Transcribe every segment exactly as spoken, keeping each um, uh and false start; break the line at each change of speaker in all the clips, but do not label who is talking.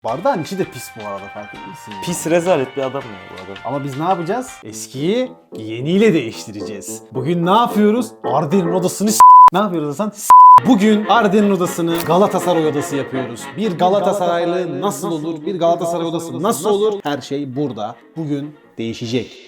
Bardağın içi de pis bu arada, farkında mısın?
Pis rezalet bir adam ya bu adam.
Ama biz ne yapacağız? Eskiyi yeniyle değiştireceğiz. Bugün ne yapıyoruz? Arden'in odasını s**. Ne yapıyoruz Hasan? S**. Bugün Arden'in odasını Galatasaray odası yapıyoruz. Bir Galatasaraylı nasıl olur? Bir Galatasaray odası nasıl olur? Her şey burada. Bugün değişecek.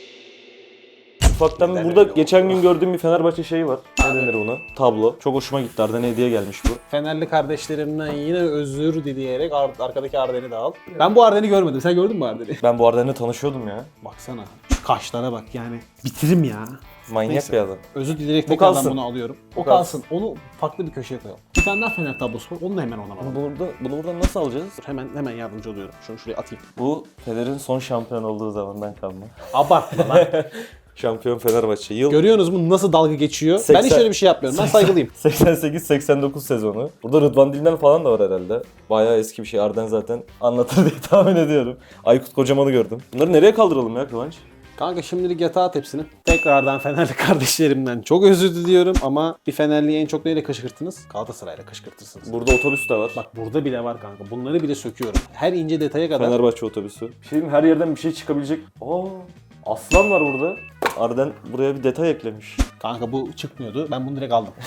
Ufaktan burada geçen gün gördüğüm bir Fenerbahçe şeyi var. Ne denir buna? Tablo. Çok hoşuma gitti. Arden'e hediye gelmiş bu.
Fenerli kardeşlerimden yine özür dileyerek ar- arkadaki Arden'i de al. Ben bu Arden'i görmedim. Sen gördün mü Arden'i?
Ben bu Arden'le tanışıyordum ya.
Baksana. Şu kaşlara bak yani. Bitirim ya.
Manyak
Neyse.
bir adam.
Özür dileyerek
Bu
tekrardan
kalsın.
bunu alıyorum. O
Bu
kalsın.
kalsın.
Onu farklı bir köşeye koyalım. Bir tane daha Fener tablosu var. Onu da hemen ona alalım.
Burada, bunu buradan nasıl alacağız?
Hemen hemen yardımcı oluyorum. Şunu şuraya atayım.
Bu Fener'in son şampiyon olduğu zamandan kalma.
Abartma lan.
Şampiyon Fenerbahçe. Yıl
Görüyorsunuz mu nasıl dalga geçiyor? Ben
seksen
hiç öyle bir şey yapmıyorum. Ben saygılıyım.
seksen sekiz seksen dokuz sezonu. Burada Rıdvan Dilmen falan da var herhalde. Bayağı eski bir şey. Arden zaten anlatır diye tahmin ediyorum. Aykut Kocaman'ı gördüm. Bunları nereye kaldıralım ya Kıvanç?
Kanka şimdilik yatağa at hepsini. Tekrardan Fenerli kardeşlerimden çok özür diliyorum ama bir Fenerli'yi en çok neyle kışkırttınız? Galatasaray'la kışkırtırsınız.
Burada otobüs de var.
Bak burada bile var kanka. Bunları bile söküyorum. Her ince detaya kadar.
Fenerbahçe otobüsü. Bir şey diyeyim, her yerden bir şey çıkabilecek. Aa, aslan var burada. Arden buraya bir detay eklemiş.
Kanka bu çıkmıyordu. Ben bunu direkt aldım.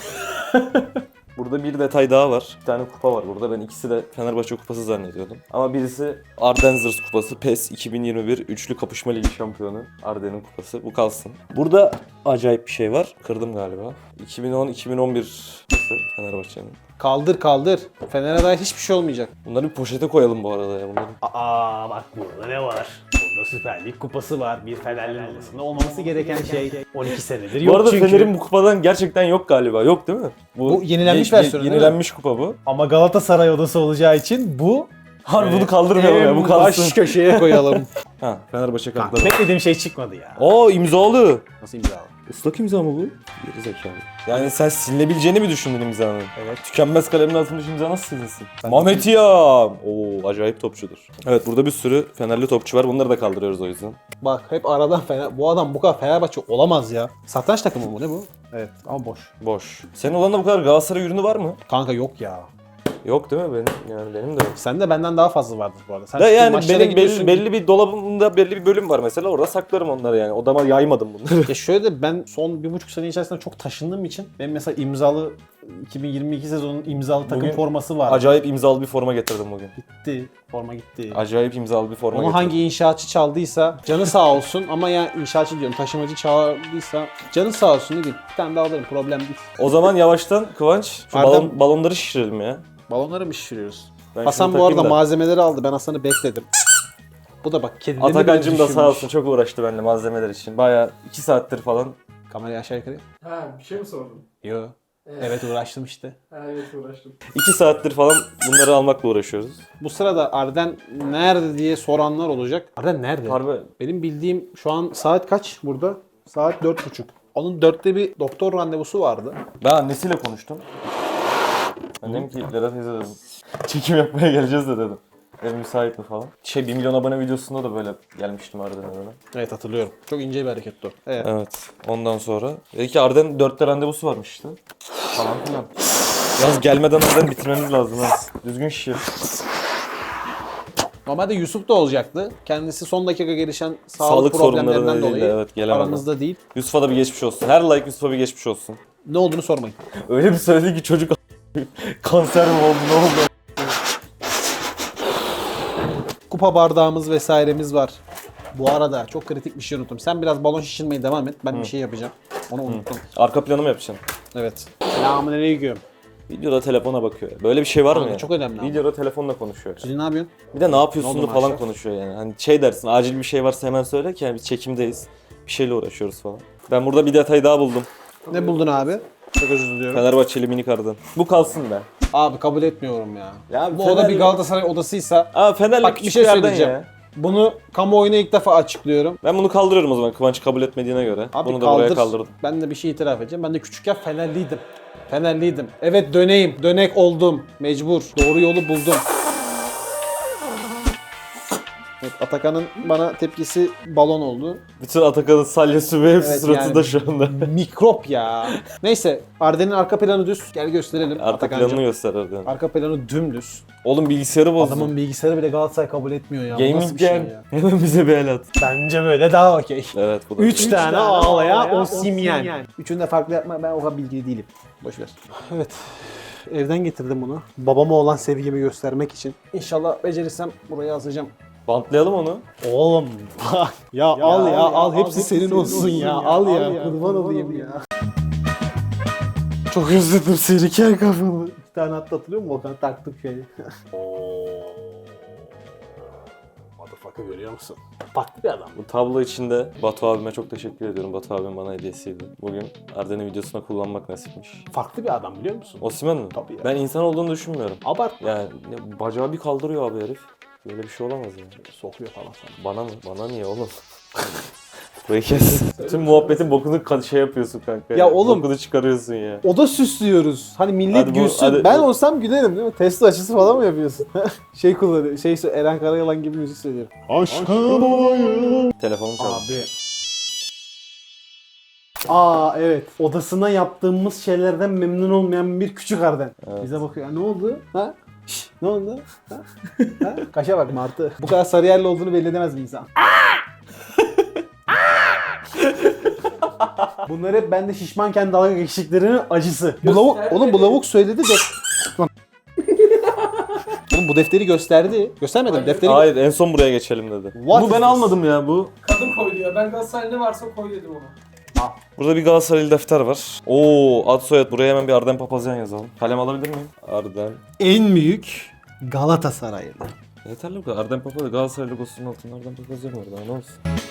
Burada bir detay daha var. Bir tane kupa var burada. Ben ikisi de Fenerbahçe kupası zannediyordum. Ama birisi Ardenzers kupası. PES iki bin yirmi bir Üçlü Kapışma Ligi şampiyonu. Arden'in kupası. Bu kalsın. Burada acayip bir şey var. Kırdım galiba. iki bin on iki bin on bir kupası Fenerbahçe'nin.
Kaldır kaldır. Fener'e dair hiçbir şey olmayacak.
Bunları bir poşete koyalım bu arada ya. Bunları.
Aa bak burada ne var? Burada Süper Lig kupası var. Bir Fenerli odasında olmaması gereken şey on iki senedir yok
Bu arada
çünkü.
Fener'in bu kupadan gerçekten yok galiba. Yok değil mi?
Bu yenilenmiş
ye- ye-
versiyonu değil mi?
Yenilenmiş kupa bu.
Ama Galatasaray odası olacağı için bu
Harbi bunu kaldırmayalım ya. Bu
en
kalsın.
baş köşeye koyalım.
Ha, Fenerbahçe
Kanka,
kartları.
beklediğim şey çıkmadı ya.
Aa, imzalı.
Nasıl imza?
Islak imza mı bu? Geri zekalı. Yani sen silinebileceğini mi düşündün imzanın?
Evet.
Tükenmez kalemin atılmış imza nasıl silinsin? Mehmet Yam! Oo, acayip topçudur. Evet, burada bir sürü Fenerli topçu var. Bunları da kaldırıyoruz o yüzden.
Bak hep aradan Fener... Bu adam bu kadar Fenerbahçe olamaz ya. Satranç takımı mı ne bu? Evet ama boş.
Boş. Senin odanda bu kadar Galatasaray ürünü var mı?
Kanka yok ya.
Yok değil mi benim? Yani benim de yok.
Sende benden daha fazla vardır bu arada. Sen
Da
çünkü
yani
maçlara
benim
gidiyorsun.
belli, belli bir dolabımda belli bir bölüm var mesela. Orada saklarım onları yani. Odama yaymadım bunları.
Ya şöyle ben son bir buçuk sene içerisinde çok taşındığım için benim mesela imzalı iki bin yirmi iki sezonun imzalı takım
Bugün
forması var.
Acayip imzalı bir forma getirdim bugün.
Gitti. Forma gitti.
Acayip imzalı bir forma
Onu
getirdim.
hangi inşaatçı çaldıysa canı sağ olsun ama ya inşaatçı diyorum taşımacı çaldıysa canı sağ olsun ne diyeyim. Bir tane daha alırım problem değil.
O zaman yavaştan Kıvanç şu
Ardem-
balon, balonları şişirelim ya.
Balonları mı şişiriyoruz?
Ben
Hasan
şunu
bu arada
takayım da.
malzemeleri aldı. Ben Hasan'ı bekledim. Bu da bak kedilerini bile
Atakancım da sağ
düşünmüş.
olsun çok uğraştı benimle malzemeler için. Bayağı iki saattir falan.
Kamerayı aşağı yukarı.
Ha bir şey mi sordun?
Yo. Evet uğraştım işte.
Ha evet uğraştım.
iki saattir falan bunları almakla uğraşıyoruz.
Bu sırada Arden nerede diye soranlar olacak. Arden nerede?
Harbi
Benim bildiğim şu an saat kaç burada? Saat dört buçuk. Onun dörtte bir doktor randevusu vardı.
ben annesiyle konuştum. Annem ki Lera teyze dedim. Çekim yapmaya geleceğiz de dedim. Ev müsait mi falan. Şey bir milyon abone videosunda da böyle gelmiştim Arden'e böyle.
Evet hatırlıyorum. Çok ince bir hareketti o. Evet.
Evet. Ondan sonra. Dedi ki Arden dörtte randevusu varmış işte. Falan filan. Yalnız gelmeden Arden bitirmemiz lazım ha. Düzgün şişir.
Normalde Yusuf da olacaktı. Kendisi son dakika gelişen sağlık,
Sağlık
problemlerinden
sorunları
dolayı
nedeniyle, evet, gelemedi.
aramızda değil.
Yusuf'a da bir geçmiş olsun. Her like Yusuf'a bir geçmiş olsun.
Ne olduğunu sormayın.
Öyle bir söyledi ki çocuk kanser mi oldu ne oldu?
Kupa bardağımız vesairemiz var. Bu arada çok kritik bir şey unuttum. Sen biraz balon şişirmeye devam et. Ben bir şey yapacağım. Onu unuttum.
Arka planı mı yapacaksın?
Evet. Selamünaleyküm.
Videoda telefona bakıyor. Böyle bir şey var mı
Kanka
ya?
çok önemli ama.
Videoda telefonla konuşuyor.
Siz ne yapıyorsun?
Bir de ne yapıyorsun
Ne oldu
falan
maşallah?
konuşuyor yani. Hani şey dersin acil bir şey varsa hemen söyle ki yani biz çekimdeyiz. Bir şeyle uğraşıyoruz falan. Ben burada bir detay daha buldum.
Ne buldun abi? Çok özür diliyorum.
Fenerbahçeli minik Arden. Bu kalsın be.
Abi kabul etmiyorum ya.
Ya
Bu
Fener-
oda bir Galatasaray odasıysa
Aa Fenerli
bak bir
küçük
şey
yerden
söyleyeceğim.
ya.
Bunu kamuoyuna ilk defa açıklıyorum.
Ben bunu kaldırıyorum o zaman Kıvanç kabul etmediğine göre.
Abi
bunu da
kaldır.
buraya kaldırdım.
Ben de bir şey itiraf edeceğim. Ben de küçükken Fenerliydim. Fenerliydim. Evet döneyim. Dönek oldum. Mecbur. Doğru yolu buldum. Evet, Atakan'ın bana tepkisi balon oldu.
Bütün Atakan'ın salyası ve hepsi
Evet,
suratında
yani
şu anda.
Mikrop ya. Neyse Arden'in arka planı düz. Gel gösterelim.
Arka
Atakan'cığım.
planını göster Arden.
Arka planı dümdüz.
Oğlum bilgisayarı bozdun.
Adamın bilgisayarı bile Galatasaray kabul etmiyor ya. Bu nasıl
Gaming
bir şey
Gen.
ya?
Hemen bize bir el at.
Bence böyle daha okey.
Evet bu da.
Üç,
Üç
tane,
tane
ağlayan
ağlayan
Osimhen. Üçünü de farklı yapma, ben o kadar bilgili değilim. Boş ver. Evet. Evden getirdim bunu. Babama olan sevgimi göstermek için. İnşallah becerirsem buraya asacağım.
Bantlayalım onu.
Oğlum bak. Ya, al ya, al. Hepsi senin olsun ya. Al ya. Kurban olayım ya. Çok özledim seni kel kafalı. Bir tane hatta hatırlıyor musun? Volkan taktık şeyi. Motherfucker görüyor musun? Farklı bir adam.
Bu tablo içinde Batu abime çok teşekkür ediyorum. Batu abim bana hediyesiydi. Bugün Arden'in videosuna kullanmak nasipmiş.
Farklı bir adam biliyor musun?
Osimhen mi?
Tabii ya.
Ben insan olduğunu düşünmüyorum.
Abartma.
Yani ne- bacağı bir kaldırıyor abi herif. Böyle bir şey olamaz yani.
Sokuyor falan sana.
Bana mı? Bana niye oğlum? Burayı kes. Tüm muhabbetin bokunu ka- şey yapıyorsun kanka.
Ya oğlum.
Bokunu çıkarıyorsun ya.
O da süslüyoruz. Hani millet
Hadi bu-
gülsün.
hadi
ben
bu-
olsam gülerim değil mi? Testo açısı falan mı yapıyorsun? şey kullanıyor. Şey Eren Karayalan gibi müzik söylüyor. Aşkım olayım.
Telefonum çaldı.
Abi. Aa evet. Odasına yaptığımız şeylerden memnun olmayan bir küçük Arden.
Evet.
Bize bakıyor. Ne oldu? Ha? Şş, ne oldu? Ha? ha? Kaşa bak Martı. Bu kadar sarı yerli olduğunu belli edemez bir insan. Bunlar hep bende şişmanken dalga geçtiklerinin acısı. Bu lavuk, oğlum bu lavuk söyledi de... Lan. Oğlum bu defteri gösterdi. Göstermedim
Hayır.
defteri.
Hayır en son buraya geçelim dedi.
What
bu
is
ben
this?
almadım ya bu.
Kadın koydu ya. Ben Galatasaray ne varsa koy dedim ona.
Burada bir Galatasaraylı defter var. Oo ad soyad buraya hemen bir Arden Papazyan yazalım. Kalem alabilir miyim? Arden.
En büyük Galatasaraylı.
Yeterli bu kadar. Arden Papazyan Galatasaray logosunun altında Arden Papazyan var daha ne olsun.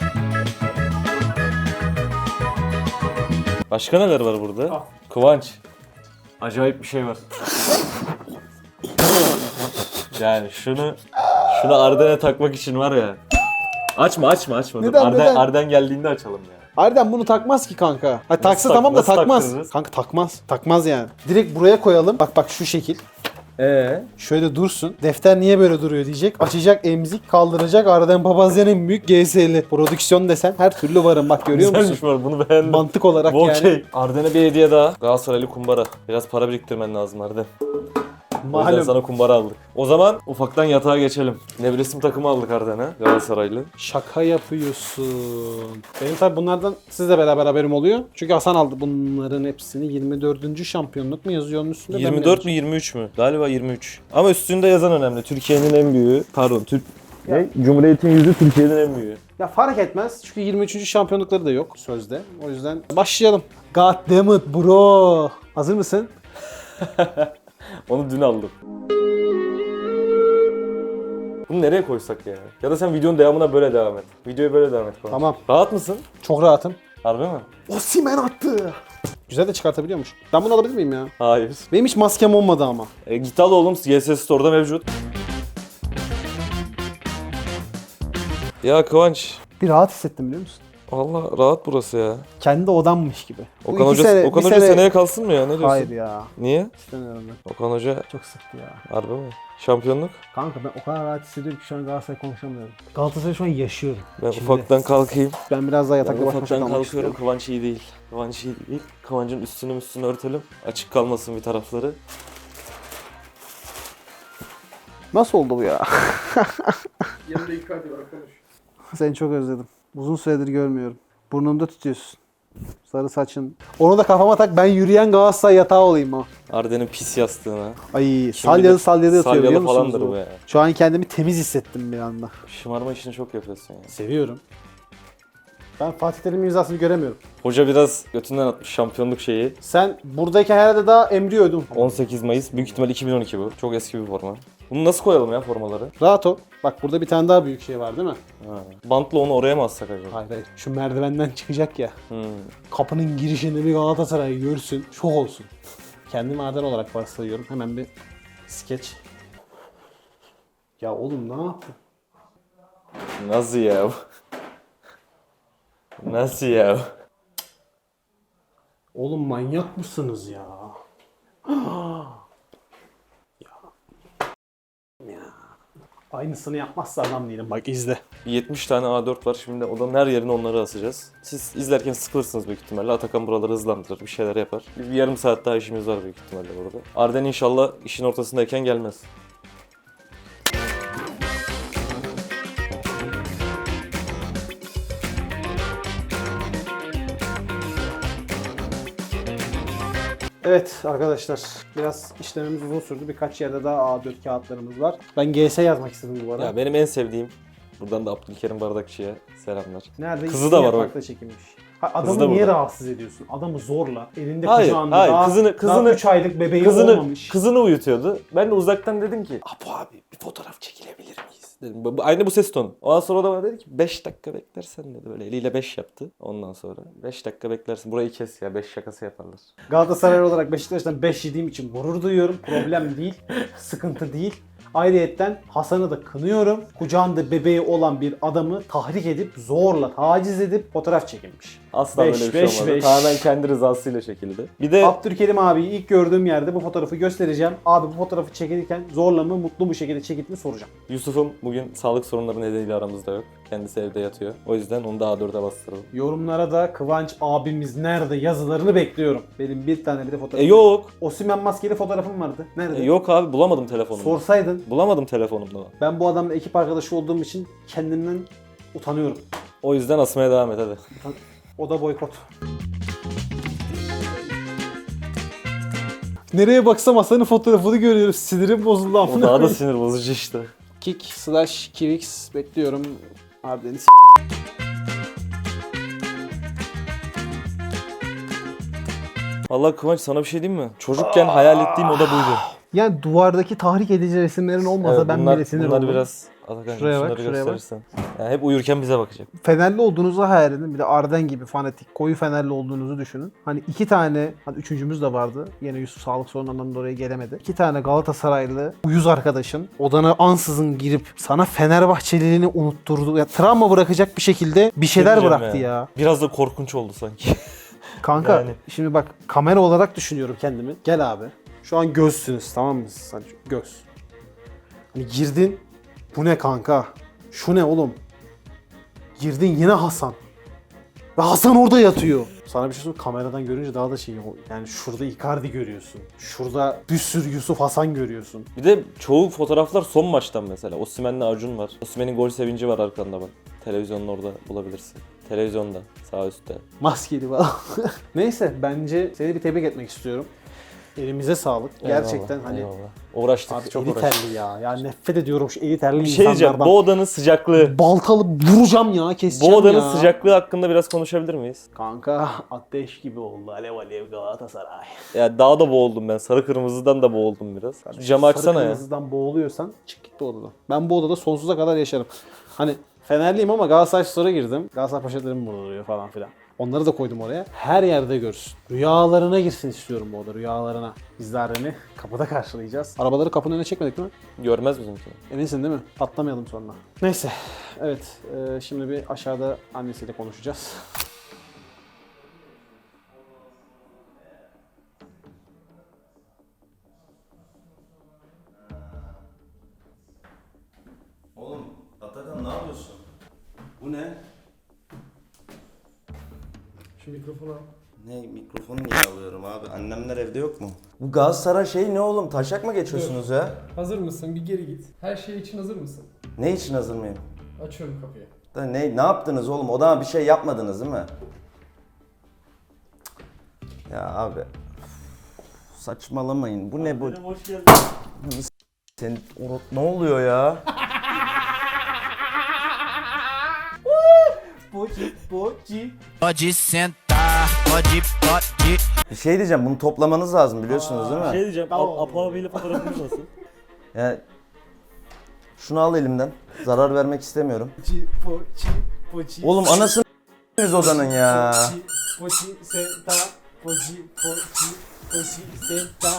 Başka neler var burada?
Al.
Kıvanç. Acayip bir şey var. Yani şunu şunu Arden'e takmak için var ya. Açma açma açma. Dur.
Neden,
Arden,
neden?
Arden geldiğinde açalım ya.
Arden bunu takmaz ki kanka. Ha, taksa
tak-
tamam da
nasıl
takmaz.
taktırırız?
Kanka takmaz. Takmaz yani. Direkt buraya koyalım. Bak bak şu şekil.
Ee?
Şöyle dursun. Defter niye böyle duruyor diyecek. Açacak emzik kaldıracak. Arden Papazyan en büyük G S L. Prodüksiyon desen her türlü varım. Bak görüyor musun?
Güzelmiş var bunu beğendim.
Mantık olarak
Bu
yani.
okey. Arden'e bir hediye daha. Galatasaraylı kumbara. Biraz para biriktirmen lazım Arden. O yüzden
Malum.
sana kumbara aldık. O zaman ufaktan yatağa geçelim. Nevresim takımı aldık Arden'e. Galatasaraylı.
Şaka yapıyorsun. Benim tabi bunlardan sizle beraber haberim oluyor. Çünkü Hasan aldı bunların hepsini. yirmi dördüncü şampiyonluk mu yazıyor onun üstünde? Ben
yirmi
mi
dört mü yirmi üç mü? Galiba yirmi üç. Ama üstünde yazan önemli. Türkiye'nin en büyüğü. Pardon Türk... Ne? Cumhuriyet'in yüzü Türkiye'nin en büyüğü.
Ya fark etmez çünkü yirmi üçüncü şampiyonlukları da yok sözde. O yüzden başlayalım. God damn it bro. Hazır mısın?
Onu dün aldım. Bunu nereye koysak ya? Ya da sen videonun devamına böyle devam et. Videoya böyle devam et falan.
Tamam.
Rahat mısın?
Çok rahatım.
Harbi mi?
Osimhen attı. Güzel de çıkartabiliyormuş. Ben bunu alabilir miyim ya?
Hayır.
Benim hiç maskem olmadı ama.
E, git al oğlum. G S Store'da mevcut. Ya Kıvanç.
Bir rahat hissettim biliyor musun?
Allah rahat burası ya.
Kendi odammış gibi. Bu
Okan
iki
Hoca,
sene-
Okan
bir
Hoca
sene-
seneye kalsın mı ya? Ne diyorsun?
Hayır ya.
Niye?
İstemiyorum ben.
Okan Hoca
Çok sıktı ya.
harbi mi? Şampiyonluk?
Kanka ben o kadar rahat hissediyorum ki şu an Galatasaray konuşamıyorum. Galatasaray'ı şu an yaşıyorum.
Ben
İçimde.
ufaktan kalkayım.
Ben biraz daha
Ben
yatakta baş başa
ufaktan
kalmak
kalkıyorum.
istiyorum.
Kıvanç iyi değil. Kıvanç iyi değil. Kıvanç'ın üstünü üstünü örtelim. Açık kalmasın bir tarafları.
Nasıl oldu bu ya?
Yanında iki hadi var konuş.
Seni çok özledim. Uzun süredir görmüyorum. Burnumda tutuyorsun. Sarı saçın. Onu da kafama tak ben yürüyen Galatasaray yatağı olayım ha.
Arden'in pis yastığına.
Ay salyalı salyalı yatıyor biliyor
Salyalı
musunuz?
falandır
bu?
bu ya.
Şu an kendimi temiz hissettim bir anda.
Şımarma işini çok yapıyorsun ya.
Seviyorum. Ben Fatih Terim'in imzasını göremiyorum.
Hoca biraz götünden atmış şampiyonluk şeyi.
Sen buradayken herhalde daha emriyordun.
on sekiz Mayıs. Büyük ihtimal iki bin on iki bu. Çok eski bir forma. Bunu nasıl koyalım ya formaları?
Rahat ol. Bak burada bir tane daha büyük şey var değil mi?
Ha. Bantla onu oraya mı assak acaba?
Hayır hayır. Şu merdivenden çıkacak ya.
Hmm.
Kapının girişinde bir Galatasaray görsün. Şok olsun. Kendimi Arden olarak varsayıyorum. Hemen bir skeç. Ya oğlum ne yaptın?
Nasıl ya? Nasıl ya?
Oğlum manyak mısınız ya? ya. Ya. Aynısını yapmazsa adam değilim. Bak izle.
yetmiş tane A dört var. Şimdi odanın her yerine onları asacağız. Siz izlerken sıkılırsınız büyük ihtimalle. Atakan buraları hızlandırır, bir şeyler yapar. Bir, bir yarım saat daha işimiz var büyük ihtimalle burada. Arden inşallah işin ortasındayken gelmez.
Evet arkadaşlar, biraz işlemimiz uzun sürdü. Birkaç yerde daha A dört kağıtlarımız var. Ben G S yazmak istedim bu arada.
Ya benim en sevdiğim, buradan da Abdülkerim Bardakçı'ya selamlar.
Nerede?
Kızı da var bak.
Yaprakta çekilmiş. Ha,
Kızı
adamı
da
niye
burada.
rahatsız ediyorsun? Adamı zorla. Elinde
Hayır,
kucağında.
hayır.
Daha,
Kızını- kızını-
daha üç aylık bebeği
Kızını,
olmamış.
kızını uyutuyordu. Ben de uzaktan dedim ki, Apo abi bir fotoğraf çekilebilir miyiz? Dedim. Bu- bu- Aynı bu ses tonu. Ondan sonra o da bana dedi ki beş dakika beklersen dedi. Böyle eliyle beş yaptı. Ondan sonra beş dakika beklersin. Burayı kes ya. beş şakası yaparlar.
Galatasaray olarak Beşiktaş'tan beş yediğim için gurur duyuyorum. Problem değil. Sıkıntı değil. Ayrıyetten Hasan'ı da kınıyorum. Kucağında bebeği olan bir adamı tahrik edip, zorla taciz edip fotoğraf çekilmiş.
Asla
Beş,
böyle bir şey
beş,
olmadı.
beş.
Tamamen kendi rızasıyla çekildi. Bir de
Abdülkerim abiyi ilk gördüğüm yerde bu fotoğrafı göstereceğim. Abi bu fotoğrafı çekilirken zorla mı, mutlu bir şekilde çekildi mi soracağım.
Yusuf'um bugün sağlık sorunları nedeniyle aramızda yok. Kendisi evde yatıyor. O yüzden onu da A dörde bastıralım.
Yorumlara da Kıvanç abimiz nerede yazılarını bekliyorum. Benim bir tane bile
E
fotoğrafım.
yok.
Osimhen maskeli fotoğrafım vardı. Nerede?
E, yok abi bulamadım telefonumu.
Sorsaydın.
Bulamadım telefonumda.
Ben bu adamla ekip arkadaşı olduğum için kendimden utanıyorum.
O yüzden asmaya devam et hadi.
O da boykot. Nereye baksam Hasan'ın fotoğrafını görüyorum. Sinirim bozuldu
O
amına
daha da
koyayım.
sinir bozucu işte.
Kick slash Kivix bekliyorum. Harbiden s-
Vallahi Kıvanç sana bir şey diyeyim mi? Çocukken hayal ettiğim oda buydu.
Yani duvardaki tahrik edici resimlerin olmasa
Evet,
ben
bunlar,
bile sinir
bunlar
olurum.
biraz Atakan
Şuraya bak,
şunları
şuraya bak.
gösterirsen. Yani hep uyurken bize bakacak.
Fenerli olduğunuzu hayal edin. Bir de Arden gibi fanatik, koyu Fenerli olduğunuzu düşünün. Hani iki tane, hani üçüncümüz de vardı. Yine Yusuf sağlık sorunlarından dolayı gelemedi. İki tane Galatasaraylı uyuz arkadaşın odana ansızın girip sana Fenerbahçeliliğini unutturdu. Ya travma bırakacak bir şekilde bir şeyler
Demeyeceğim
bıraktı ya.
Biraz da korkunç oldu sanki.
Kanka
Yani.
şimdi bak kamera olarak düşünüyorum kendimi. Gel abi. Şu an gözsünüz tamam mı? Hani göz. Hani girdin. Bu ne kanka? Şu ne oğlum? Girdin yine Hasan. Ve Hasan orada yatıyor. Sana bir şey söyleyeyim, kameradan görünce daha da şey, yani şurada Icardi görüyorsun. Şurada bir sürü Yusuf Hasan görüyorsun.
Bir de çoğu fotoğraflar son maçtan mesela. Osimhen'le Acun var. Osimhen'in gol sevinci var arkanda bak. Televizyonun orada bulabilirsin. Televizyonda sağ üstte.
Maskeli falan. Neyse bence seni bir tebrik etmek istiyorum. Elimize sağlık. Gerçekten
Eyvallah,
hani
eyvallah. Uğraştık,
abi
çok
eli
uğraştık.
terli ya. Ya nefret ediyorum şu eli terli
Bir şey diyeceğim.
insanlardan.
Bu odanın sıcaklığı.
Baltalı vuracağım ya, keseceğim
Bu odanın
ya.
sıcaklığı hakkında biraz konuşabilir miyiz?
Kanka ateş gibi oldu. Alev alev Galatasaray.
Ya daha da boğuldum ben. Sarı kırmızıdan da boğuldum biraz. Şu camı açsana
Sarı
ya.
kırmızıdan boğuluyorsan çık git bu odadan. Ben bu odada sonsuza kadar yaşarım. Hani Fenerliyim ama Galatasaray Store'a girdim. Galatasaray poşetlerim burada duruyor falan filan. Onları da koydum oraya. Her yerde görsün. Rüyalarına girsin istiyorum bu oda, rüyalarına. Bizler beni kapıda karşılayacağız. Arabaları kapının önüne çekmedik mi?
Görmez bizimki.
Eminsin değil mi? Atlamayalım sonra. Neyse. Evet. e, şimdi bir aşağıda annesiyle konuşacağız.
Oğlum Atakan ne yapıyorsun? Bu ne?
Şu mikrofonu al.
Ne mikrofonu niye alıyorum abi? Annemler evde yok mu? Bu Galatasaray şey ne oğlum? Taşak mı geçiyorsunuz ya?
Hazır mısın? Bir geri git. Her şey için hazır mısın?
Ne için hazır mıyım?
Açıyorum kapıyı.
Da ne ne yaptınız oğlum? Odama bir şey yapmadınız değil mi? Ya abi. üf, saçmalamayın. Bu ne bu?
Hoş geldin.
Sen Orot ne oluyor ya?
Poci, poci.
Pode sentar, pode, pode.
Bir şey diyeceğim. Bunu toplamanız lazım biliyorsunuz değil mi?
Şey diyeceğim.
Tamam.
Apo abiyle fotoğrafınız nasıl?
Ya şunu al elimden. Zarar vermek istemiyorum.
Poci, poci, poci.
Oğlum anasını s**tiniz odanın ya.
Poci, poci, senta. Poci, poci, poci, senta.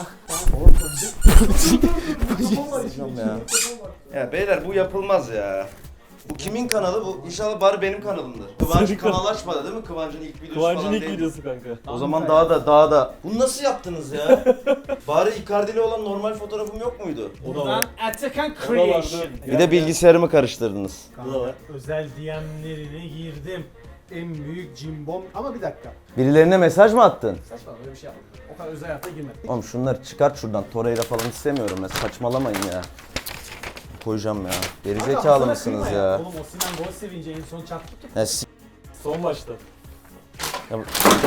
Ya beyler bu yapılmaz ya. Bu kimin kanalı bu? İnşallah bari benim kanalımdır. Kıvanç
Senin
kanal açmadı değil mi? Kıvanç'ın ilk videosu
Kıvancın
falan
ilk
değil.
videosu kanka.
O zaman daha da daha da. Bunu nasıl yaptınız ya? Bari Icardi'li olan normal fotoğrafım yok muydu?
O da var.
Atakan
O da vardı.
Bir de bilgisayarımı karıştırdınız.
Bu da var.
Özel D M'lerine girdim. En büyük cimbom. Ama bir dakika.
Birilerine mesaj mı attın?
Saçma böyle bir şey yapmadım. O kadar özel hayata girmedik.
Oğlum şunları çıkart şuradan. Torreira falan istemiyorum ya. Saçmalamayın ya. Koyacağım ya. Gerizekalı mısınız ya?
Oğlum Osimhen gol sevince en son çarptık ya.
Ya s-
Son maçta.
Ya-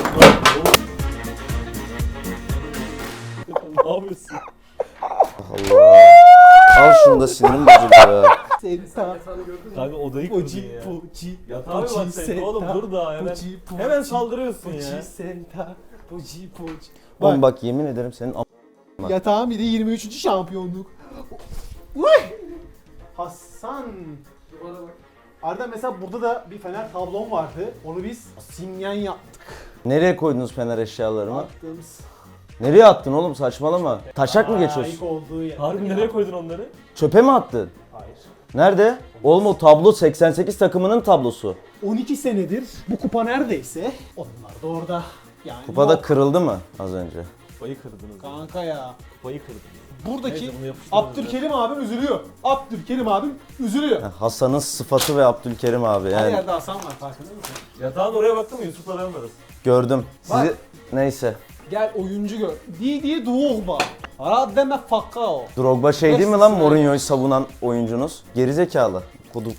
Ne yapıyorsun?
Allah. Al şunu da sinirim bozuldu ya.
Senta.
Kanka odayı kırdın
Poci
ya.
poci.
Yatağa mı baksaydın oğlum dur daha hemen.
Poci poci.
Hemen saldırıyorsun ya.
Poci senta. Poci poci.
Oğlum bak yemin ederim senin am- bak.
Yatağın bir de yirmi üçüncü şampiyonluk. Uy! Hasan.
Duvara bak.
Arda mesela burada da bir fener tablon vardı. Onu biz simyen yaptık.
Nereye koydunuz fener eşyalarımı?
Attığımız.
Nereye attın oğlum saçmalama. Taşak mı
Layık
geçiyorsun?
olduğu yer.
Harbi nereye koydun onları?
Çöpe mi attın?
Hayır.
Nerede? Oğlum o tablo seksen sekiz takımının tablosu.
on iki senedir bu kupa neredeyse onlar da orada. Yani
Kupada
yok.
kırıldı mı az önce?
Kupayı kırdınız.
Kanka ya.
Kupayı kırdınız.
Buradaki
Neyse, bunu yapıştırırız
Abdülkerim abim üzülüyor. Abdülkerim abim üzülüyor.
Ya Hasan'ın sıfatı ve Abdülkerim abi
Her
yani
yerde Hasan var farkında mısın?
Yatağın oraya baktın mı Yusuf'la ben varız.
gördüm. Sizi
Bak.
neyse.
Gel oyuncu gör. Didier Drogba. Rademe Falcao.
Drogba şey değil mi lan Mourinho'yu savunan oyuncunuz? Gerizekalı. Kodum.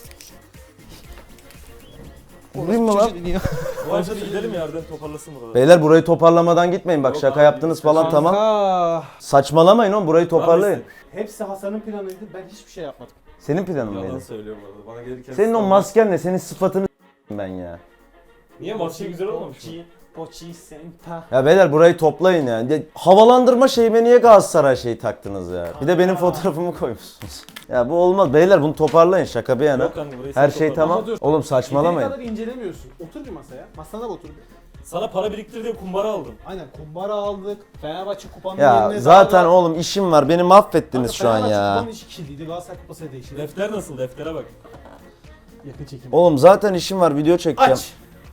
Vurayım mı lan?
Bu maçta gidelim ya Arden toparlasın buraları.
Beyler burayı toparlamadan gitmeyin bak
Yok
şaka
abi,
yaptınız falan tamam.
Kanka.
Saçmalamayın oğlum burayı toparlayın.
Hepsi Hasan'ın planıydı. Ben hiçbir şey yapmadım.
Senin planın
Yalan
mıydı?
söylüyorum arada. Bana gelirken...
Senin o masken ne? Senin sıfatını s**eyim ben ya.
Niye maçı güzel olmamış mı?
Pochi Senta.
Ya beyler burayı toplayın yani. Ya, havalandırma şeyime niye Galatasaray şeyi taktınız ya? Bir de benim fotoğrafımı koymuşsunuz. Ya bu olmaz. Beyler bunu toparlayın şaka bir yana.
Yok kanka burayı
Her
sen
şey
topla.
tamam.
Ama dur.
Oğlum
Yeteri
saçmalamayın.
kadar incelemiyorsun. Otur bir masaya. Masana da otur bir.
Sana para biriktir diye kumbara aldım.
Aynen kumbara aldık. Fenerbahçe kupanın
Ya
yerine
zaten
daha da-
oğlum işim var. Beni mahvettiniz şu an
Fenerbahçe
ya.
kupanın işi kirliydi. Galatasaray kupası değişti.
Defter nasıl? Deftere bak.
Yakın çekim.
Oğlum zaten işim var. Video çekeceğim.
Aç.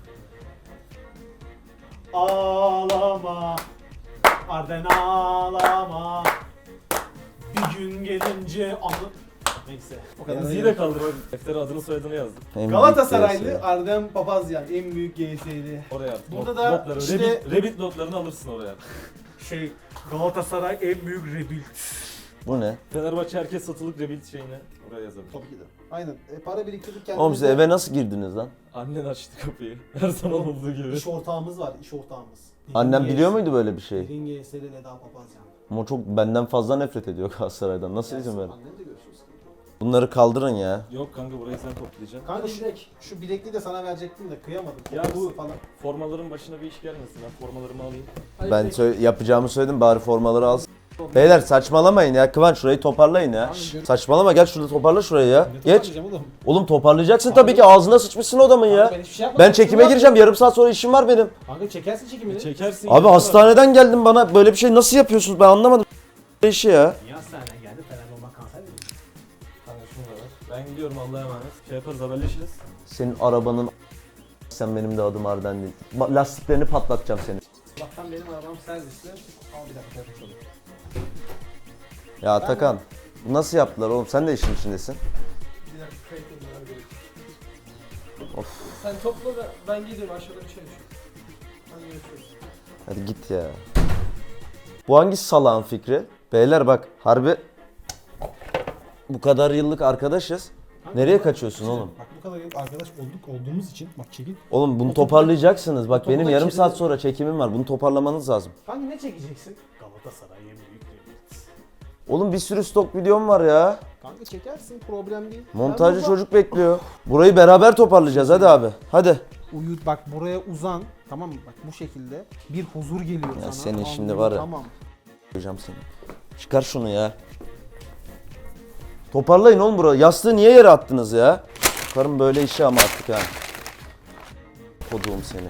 Ağlama. Arden ağlama. Bir gün gelince anı. Neyse. O kadar.
Emziği de kaldır bak. Deftere adını soyadını yazdım.
En büyük
Galatasaraylı
gerisi.
Arden Papazyan en büyük G S'li.
Oraya at.
Burada
Not-
da
notları,
işte-
Reddit, Reddit notlarını alırsın oraya.
Şey Galatasaray en büyük rebuild.
Bu ne?
Fenerbahçe herkes satılık Reddit şeyine oraya yazalım.
Tabii ki de. Aynen. E, para biriktirdik kendimize.
Oğlum siz eve nasıl girdiniz lan?
Annen açtı kapıyı. Her zaman olduğu gibi.
İş ortağımız var, iş ortağımız.
Annem biliyor muydu böyle bir şey?
Derin G S'li Eda Papazyan.
Ama çok benden fazla nefret ediyor Galatasaray'dan. Nasıl izin verin?
Annem de görüşürüz.
Bunları kaldırın ya.
Yok kanka burayı sen toplayacaksın.
Kanka şu, şu bilekliği de sana verecektim de kıyamadım.
Ya
Kopması
bu-
falan.
Formaların başına bir iş gelmesin. Ben formalarımı alayım.
Ben sö- yapacağımı söyledim bari formaları alsın. Beyler saçmalamayın ya. Kıvanç şurayı toparlayın ya.
Tamam,
Saçmalama gel şurada toparla şurayı ya.
Ne
Geç.
toparlayacağım oğlum?
Oğlum toparlayacaksın tabii ki ağzına sıçmışsın adamın ya.
Kanka ben hiçbir şey yapmadım.
Ben çekime
Şunu
gireceğim yarım saat sonra işim var benim.
yap. Kanka çekersin çekimini.
Çekersin.
Abi
ya.
hastaneden geldim bana böyle bir şey nasıl yapıyorsunuz ben anlamadım. işi ya.
Niye hastaneden geldi? Fener olmak kanser mi?
Kanka şunu da ver. Ben gidiyorum Allah'a emanet. Şey yaparız haberleşiriz.
Senin arabanın sen benim de adım Arden değil. Ba- Lastiklerini patlatacağım seni.
Allah'tan benim arabam servisli. Al bir dakika yapalım.
Ya Atakan nasıl yaptılar oğlum sen de işin içindesin.
Bir dakika kayıt edilmem gerekiyor.
Of
Sen topla da ben gidiyorum aşağıda bir şey düşüyor. Hadi görüşürüz.
hadi git ya. Bu hangi salağın fikri? Beyler bak harbi bu kadar yıllık arkadaşız. Nereye kaçıyorsun oğlum?
Bak bu kadar yıl arkadaş olduk olduğumuz için bak çekil.
Oğlum bunu toparlayacaksınız. Bak benim
topu da
yarım
çekelim.
saat sonra çekimim var. Bunu toparlamanız lazım.
Kanka ne çekeceksin? Galatasaray en büyük rebuild.
Oğlum bir sürü stok videom var ya.
Kanka çekersin problem değil.
Montajcı
Ben burada-
çocuk bekliyor. Burayı beraber toparlayacağız hadi abi. Hadi.
Uyu bak buraya uzan tamam mı? Bak bu şekilde bir huzur geliyor sana.
senin şimdi
Anlıyorum,
var ya.
Tamam.
Koyacağım seni. Çıkar şunu ya. Toparlayın oğlum burayı. Yastığı niye yere attınız ya? Karım böyle işi ama artık ha. Koduğum seni.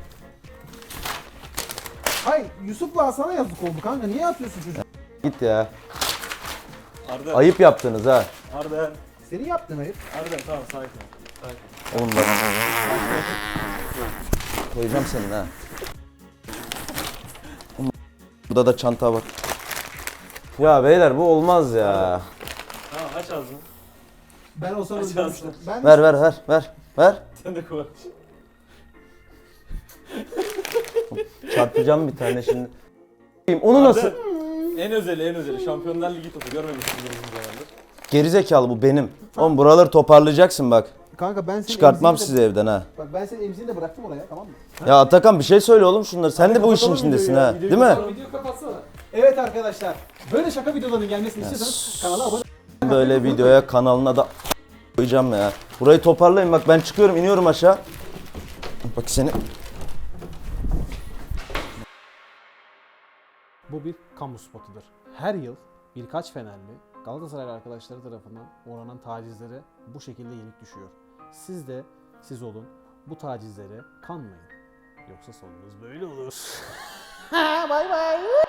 Hayır Yusuf'la sana yazık oldu kanka. Niye yapıyorsun çocuğu?
Git ya.
Arden.
Ayıp yaptınız ha.
Arden.
Senin yaptın ayıp.
Arden tamam sakin ol. Sakin.
Oğlum bak. Koyacağım senin ha. Burada da çanta var. Ya beyler bu olmaz ya.
Tamam aç ağzını.
Ben olsam
Aç
öldürmüştüm.
ağzını.
Ben
Ver ver ver ver ver.
Sen de koy.
Çarpacağım bir tane şimdi. Onu nasıl?
En özeli en özeli. Şampiyonlar Ligi topu görmemişsindir uzun zamandır.
Gerizekalı bu benim. Oğlum buraları toparlayacaksın bak.
Kanka ben senin
Çıkartmam
emziğini de-
sizi evden ha.
Bak ben senin emziğini de bıraktım oraya, tamam mı?
Ya Atakan bir şey söyle oğlum şunları. Sen de bu işin
kapatalım
içindesin
videoyu ya,
ha.
videoyu
Değil mi?
kapatalım.
Video kapatsana.
Evet arkadaşlar. Böyle şaka videolarının gelmesini istiyorsanız kanala abone
Böyle videoya kanalına da koyacağım ya. Burayı toparlayın bak ben çıkıyorum iniyorum aşağı. Bak seni.
Bu bir kamu spotudur. Her yıl birkaç Fenerli Galatasaray arkadaşları tarafından uğranan tacizlere bu şekilde yenik düşüyor. Siz de siz olun, bu tacizlere kanmayın. Yoksa sonunuz böyle olur. Bay bay.